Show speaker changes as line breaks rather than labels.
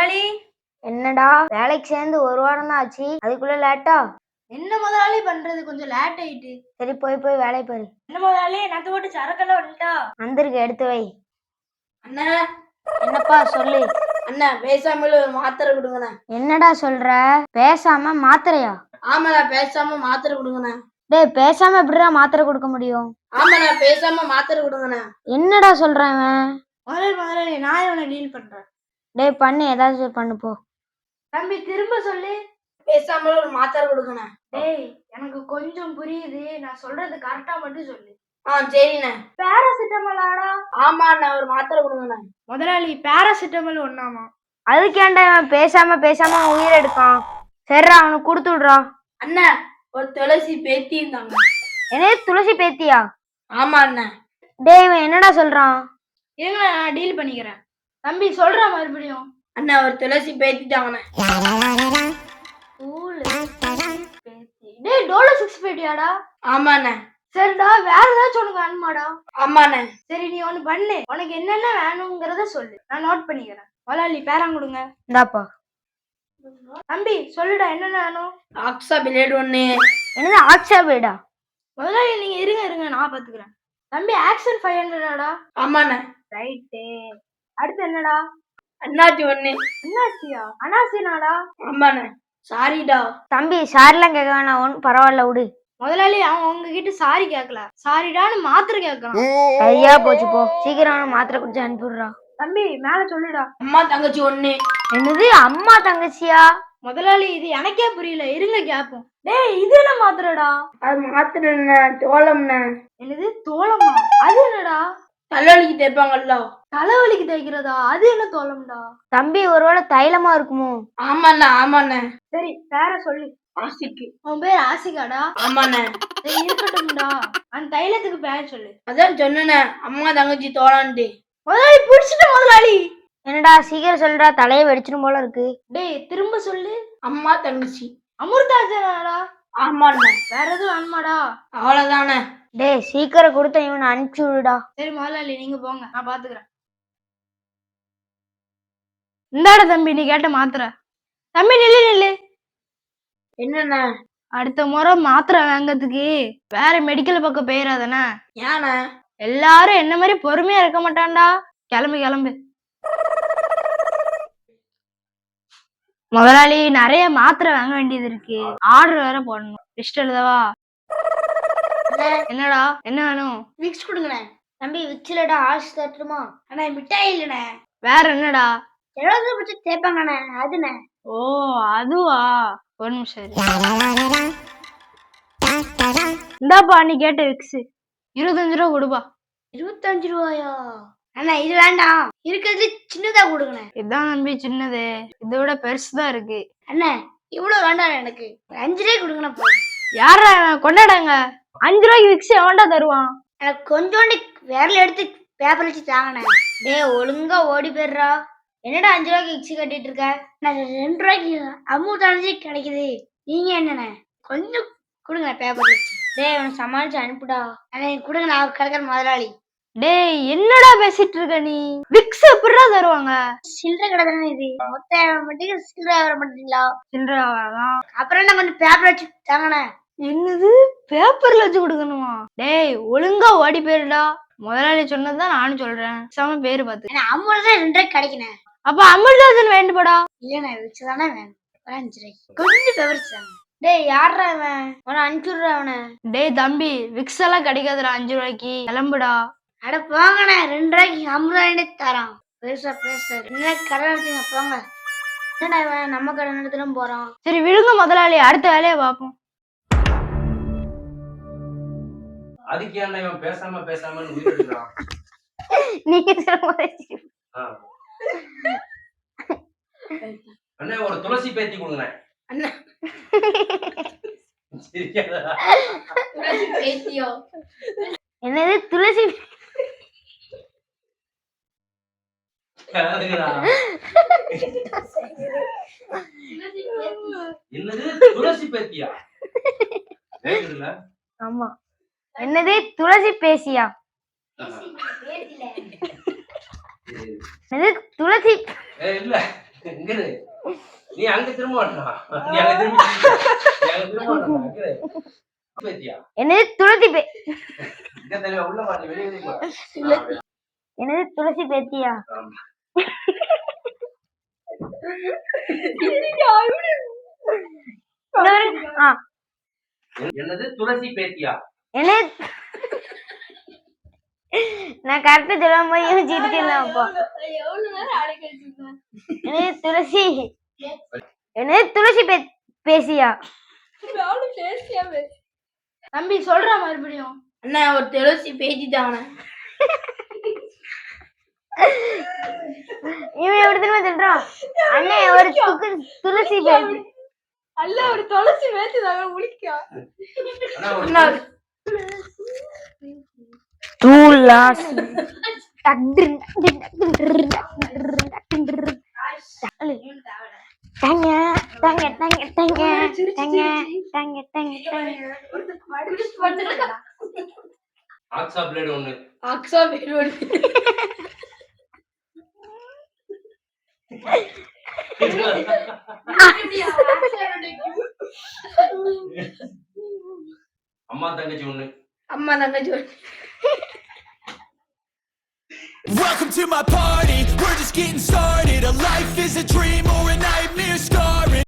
முதலாளி.
என்னடா வேலைக்கு சேர்ந்து ஒரு வாரம் தான் ஆச்சு, அதுக்குள்ள லேட்டா?
என்ன முதலாளி பண்றது, கொஞ்சம் லேட் ஆயிட்டு.
சரி போய் வேலை பாரு.
என்ன முதலாளி, நத்து போட்டு சரக்கெல்லாம் வந்துட்டா?
வந்திருக்கு, எடுத்து வை.
அண்ணா.
என்னப்பா சொல்லு.
அண்ணா பேசாமல ஒரு மாத்திரை கொடுங்கண்ணா.
என்னடா சொல்ற? பேசாம மாத்திரையா?
ஆமாண்ணா, பேசாம மாத்திரை கொடுங்கண்ணா.
டேய் பேசாம எப்படிடா மாத்திரை கொடுக்க முடியும்?
ஆமாண்ணா, பேசாம மாத்திரை கொடுங்கண்ணா.
என்னடா சொல்றேன்?
முதலாளி நான் இவனை டீல் பண்றேன்.
டேய் பண்ணு, ஏதாவது பண்ணு போ.
தம்பி திரும்ப சொல்லு. பேசாம ஒரு மாத்திரை கொடுங்கண்ணா. டேய் எனக்கு கொஞ்சம் புரியுது, நான் சொல்றது கரெக்டா மட்டும் சொல்லு. சரிண்ணே. பேராசிட்டமாலாடா? ஆமாண்ணா, ஒரு மாத்திரை கொடுங்கண்ணா. முதலாளி பேராசிட்டமல் ஒண்ணாமா?
அதுக்கேண்டா இவன் பேசாம உயிர் எடுக்கான். சரிடா அவனுக்கு கொடுத்து விடுறா.
அண்ணா ஒரு துளசி பேத்தி இருந்தாங்க.
என்ன துளசி பேத்தியா?
ஆமா அண்ணா.
டேய் இவன் என்னடா சொல்றான்?
இருங்க நான் டீல் பண்ணிக்கிறேன். தம்பி சொல்ற மறுபடியும். அண்ணா ஒரு துளசி பேத்திட்டாங்கண்ணே. டேய் டோலோ 6 பேட்டியாடா? ஆமாண்ணே. சரிடா, வேற ஏதாச்சும் உனக்கு வேணுமாடா? ஆமாண்ணே. சரி நீ ஒண்ணு பண்ணு, உனக்கு என்னென்ன வேணுங்கிறத சொல்லு, நான் நோட் பண்ணிக்கிறேன். முதலாளி பேரம் கொடுங்க.
இந்தாப்பா.
தம்பி சொல்லுடா, என்னென்ன வேணும்? ஆக்ஸா பிளேட் ஒண்ணு.
என்னது ஆக்ஸா பிளேடா?
முதலாளி நீங்க இருங்க நான் பாத்துக்கிறேன். தம்பி ஆக்ஷன் 500டா? ஆமாண்ணே. ரைட்டு. அடுத்து என்னடா? அண்ணாச்சி ஒண்ணு. அண்ணாச்சியா? அண்ணாச்சினாடா? ஆமாண்ணே. சாரிடா.
தம்பி சாரிலாம் கேட்க வேணாம், ஒன்றும் பரவாயில்ல விடு.
முதலாளி அவன் உங்ககிட்ட சாரி கேட்கல, சாரிடான்னு மாத்திரை கேட்கலாம்.
ஐயா போச்சு போ, சீக்கிரம் மாத்திரை குடிச்சு அனுப்பிடுறா.
தம்பி மேல சொல்லுடா. அம்மா தங்கச்சி ஒண்ணு.
என்னது அம்மா தங்கச்சியா?
முதலாளி இது எனக்கே புரியல, இருங்க கேப்போம். டேய் இது என்ன மாத்திரடா? அது மாத்திரை தோளம்ண்ணே. என்னது தோளமா? அது என்னடா? தலைவலிக்கு தேய்ப்பாங்கல்ல. தலைவலிக்கு தேய்க்கிறதா? அது என்ன தோளம்டா?
தம்பி ஒருவேளை தைலமா இருக்குமோ?
ஆமாண்ணே. சரி பேர சொல்லு. ஆசிக்கு. உன் பேர் ஆசிகாடா? ஆமாண்ணே. சரி இருக்கட்டும்டா, அந்த தைலத்துக்கு பேர் சொல்லு. அதான் சொன்னேண்ணே, அம்மா தங்கச்சி தோளான்ட்டு. முதலாளி புடிச்சிட்ட முதலாளி.
என்னடா சீக்கிரம் சொல்றா, தலையை வெடிச்சிடும் போல இருக்கு.
டேய் திரும்ப சொல்லு. அம்மா தங்கச்சி. அமிர்தாஜனாடா? ஆமாண்ணே. வேற எதுவும் வேணுமாடா? அவ்வளவுதானே.
டேய் சீக்கிரம் கொடுத்த இவனை அனுப்பிச்சு விடுடா.
சரி முதலாளி நீங்க போங்க, நான் பாத்துக்கிறேன். இந்தாட தம்பி நீ கேட்ட மாத்திரை. தம்பி நில்லு. என்னண்ணே? அடுத்த முறை மாத்திரை வாங்கறதுக்கு வேற மெடிக்கல் பக்கம் போயிடாதானே? ஏண்ணே? எல்லாரும் என்ன மாதிரி பொறுமையா இருக்க மாட்டான்டா. கிளம்பு. முதலாளி நிறைய மாத்திரை வாங்க வேண்டியது இருக்கு, ஆர்டர் வேற போடணும். லிஸ்ட் எழுதவா? என்னடா என்ன வேணும்? விக்ஸ் கொடுங்கண்ணே.
தம்பி விக்ஸ்லடா ஆஷ் தட்டுமா?
அண்ணா மிட்டாய் இல்லண்ணே. வேற என்னடா?
எவ்வளவு பிடிச்சி தேய்ப்பாங்கண்ணே அதுண்ணே.
ஓ அதுவா, ஒரு நிமிஷம். இந்தாப்பா நீ கேட்ட விக்ஸ் 25 ரூபா கொடுப்பா.
25 ரூபாயா?
அண்ணா இது வேண்டாம், இருக்கிறது சின்னதா கொடுங்கண்ணே. இதான் நம்பி சின்னது, இதை விட பெருசுதான் இருக்கு.
அண்ணா இவ்வளவு வேண்டாம், எனக்கு 5 ரூபாய் கொடுங்கண்ணா.
யாரா கொண்டாடாங்க? 5 ரூபாய்க்கு விக்ஸ் எவன்டா தருவான்?
எனக்கு கொஞ்சோண்டு விரல எடுத்து பேப்பர் வச்சு தாங்கண்ணே. டேய் ஒழுங்கா ஓடி போயிடுறா. என்னடா 5 ரூபாய்க்கு விக்ஸ் கட்டிட்டு இருக்க? நான் 2 ரூபாய்க்கு அமுதானே கிடைக்குது, நீங்க என்னண்ணே? கொஞ்சம் கொடுங்க பேப்பர் வச்சு. டேய் அவனை சமாளிச்சு அனுப்புடா. அண்ணா கொடுங்க, நான் கிடக்கிற முதலாளி.
டேய் என்னடா பேசிட்டு இருக்க நீ? விக்ஸ் எப்படிடா தருவாங்க?
சில்லறை கடை தானே இது, மொத்த மட்டும் சில்லறை வர மாட்டீங்களா?
சில்லறை தான்.
அப்புறம் என்ன கொஞ்சம் பேப்பர் வச்சு தாங்கண்ணே.
என்னது பேப்பர்ல வச்சு கொடுக்கணுமா? டேய் ஒழுங்கா ஓடி போயிருடா. முதலாளி சொன்னதுதான் நானும் சொல்றேன், சம பேரு பார்த்து.
50 ரூபாய் 2 ரூபாய்க்கு கிடைக்கணும்.
அப்ப அமிர்தாஜன் வேண்டுபடா.
இல்லண்ணே விக்ஸ் தானே வேணும், 5 ரூபாய்க்கு கொஞ்சம் பேப்பர் வச்சாங்க. டேய் யாரா அவன்? அவனை அனுப்பிச்சுடுறா அவனை.
டேய் தம்பி விக்ஸ் எல்லாம் கிடைக்காதுடா 5 ரூபாய்க்கு, கிளம்புடா.
அட போங்கண்ணே, 2 ரூபாய்க்கு 50 ரூபாய் தரான். பேச என்ன கடை நடத்துங்க போங்க. என்னடா இவன் நம்ம கடை நடத்தலும் போறான்.
சரி விழுங்க முதலாளி, அடுத்த வேலையை பார்ப்போம்.
அதுக்கு ஏன்டா இவன் பேசாம உயிர் எடுக்கிறான்?
நீங்க சொல்லுங்க.
அண்ணே ஒரு துளசி பேத்தி கொடுங்க.
அண்ணா
துளசி பேத்தியோ? என்னது துளசி?
என்னது துளசி பேத்தியா?
ஆமா. என்னது துளசி பேசியா? என்னது துளசி?
இல்ல இங்க இரு. நீ அங்க திரும்ப மாட்டான். நீ அங்க திரும்ப இங்க இரு. பேத்தியா?
என்னது துளசி
இங்க தெரியல, உள்ள வா, நீ வெளிய போ.
என்னது துளசி பேத்தியா?
ஆமா. என்னது துளசி பேத்தியா?
என்னது நான் கரெக்டா சொல்லும் போது யோசிச்சுட்டு இருந்தேன் அப்போ. என்னது துளசி பேசியா?
தம்பி சொல்ற மறுபடியும்.
அண்ணா ஒரு துளசி பேசிட்டாங்க. இவன் எப்படி தெரியுமா சொல்றான்? அண்ணே ஒரு துளசி பேசி.
அல்ல ஒரு துளசி பேசி தாங்க முடிக்கா.
துளசி தங்க தங்க தங்க தங்க தங்க தங்க தங்க.
ஆக்ஸா பிளேட் ஒண்ணு.
ஆக்ஸா பேரோடு.
அம்மா தங்கச்சி ஒண்ணு.
அம்மா தங்கச்சி ஒண்ணு.
Welcome to my party, we're just getting started. A life is a dream or a nightmare scarring.